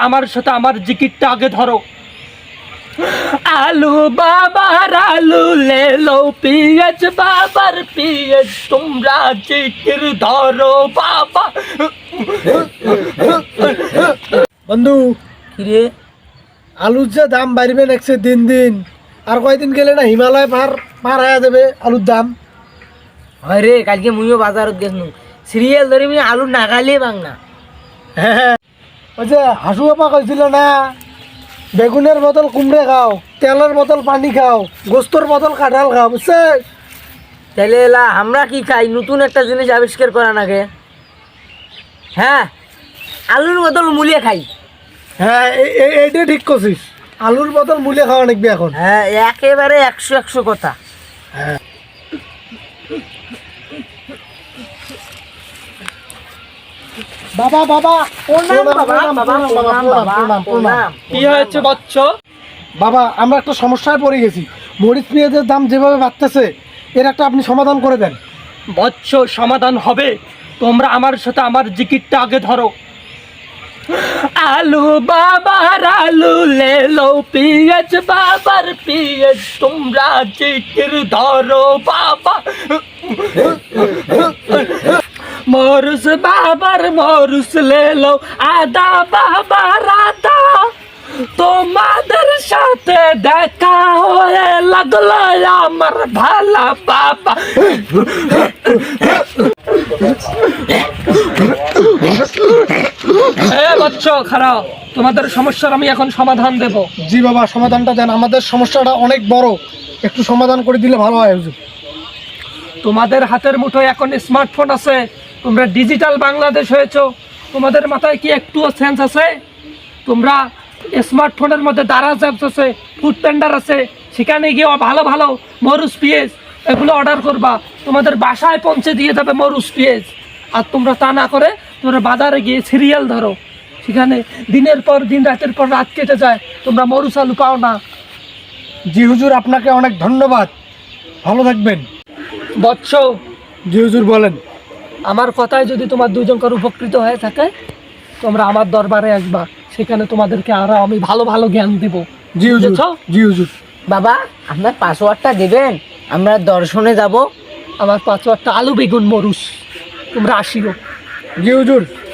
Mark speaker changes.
Speaker 1: আমার সাথে আমার জিকিরটা আগে ধরো। আলু বাবার আলু লে লো, পিঁয়াজ বাবার পিঁয়াজ, তোমরা জিকির ধরো বাবা।
Speaker 2: বন্ধু
Speaker 3: কিরে
Speaker 2: আলুর যে দাম বাড়বে নেক্সট দিন দিন, আর কয়দিন গেলে না হিমালয় পার হয়ে যাবে আলুর দাম।
Speaker 3: হয় রে, কালকে মুইও বাজারত গেছনু, সিরিয়াল ধরে আমি আলু নাগালে বাং না।
Speaker 2: হ্যাঁ, ওই যে হাসু বাপা কইছিল না, বেগুনের বদল কুমড়ে খাও, তেলের বদল পানি খাও, গোস্তর বদল কাঁঠাল খাও, বুঝছে?
Speaker 3: তাহলে এলা আমরা কি খাই, নতুন একটা জিনিস আবিষ্কার করা নাগে। হ্যাঁ, আলুর বদল মুলিয়ে খাই।
Speaker 2: হ্যাঁ, এইটা ঠিক করছিস, আলুর বদল মূলে খাওয়া নাকবি এখন।
Speaker 3: হ্যাঁ, একেবারে 100 কথা।
Speaker 2: বাবা বাবা
Speaker 3: প্রণাম বাবা, বাবা, প্রণাম বাবা,
Speaker 2: প্রণাম।
Speaker 3: প্রণাম।
Speaker 1: কি হয়েছে বৎস?
Speaker 2: বাবা আমরা একটা সমস্যায় পড়ে গেছি, মরিচ পেঁয়াজের দাম যেভাবে বাড়তেছে এর একটা আপনি সমাধান করে দেন।
Speaker 1: বৎস, সমাধান হবে, তোমরা আমার সাথে আমার জিকিরটা আগে ধরো। আলু বাবার আলু লে লো, পিঁয়াজ বাবার পিঁয়াজ, তোমরা জিকির ধরো বাবা। মরুস বাবার মরুস লে লো, আদা বাবার আদা, তোমাদের সাথে দেখা হয়ে লাগলো আমার ভালা বাবা। বচ্চ খারাপ, তোমাদের সমস্যার আমি এখন সমাধান দেব।
Speaker 2: জি বাবা, সমাধানটা দেন, আমাদের সমস্যাটা অনেক বড়, একটু সমাধান করে দিলে ভালো হয় হুজুর।
Speaker 1: তোমাদের হাতের মুঠোয় এখন স্মার্টফোন আছে, তোমরা ডিজিটাল বাংলাদেশ হয়েছো, তোমাদের মাথায় কি একটুও সেন্স আছে? তোমরা স্মার্টফোনের মধ্যে দারাজ অ্যাপস আছে, ফুড প্যান্ডার আছে, সেখানে গিয়ে ভালো ভালো মরুচ পেঁয়াজ এগুলো অর্ডার করবা, তোমাদের বাসায় পৌঁছে দিয়ে যাবে মরুচ পেঁয়াজ। আর তোমরা তা না করে তোমরা বাজারে গিয়ে সিরিয়াল ধরো, সেখানে দিনের পর দিন রাতের পর রাত কেটে যায়, তোমরা মরুচ আলু পাও না।
Speaker 2: জি হুজুর, আপনাকে অনেক ধন্যবাদ, ভালো থাকবেন।
Speaker 1: বৎস,
Speaker 2: জি হুজুর বলেন।
Speaker 1: আমার কথায় যদি তোমার দুজনকার উপকৃত হয়ে থাকে, তোমরা আমার দরবারে আসবা, সেখানে তোমাদেরকে আরো আমি ভালো ভালো জ্ঞান দেব।
Speaker 2: জি হুজুর,
Speaker 1: বুঝেছো?
Speaker 2: জি হুজুর।
Speaker 3: বাবা, আপনার পাসওয়ার্ডটা দেবেন, আমরা দর্শনে যাব।
Speaker 1: আমার পাঁচওয়ারটা আলু বেগুন মরুচ, তোমরা আসিও।
Speaker 2: জি হুজুর।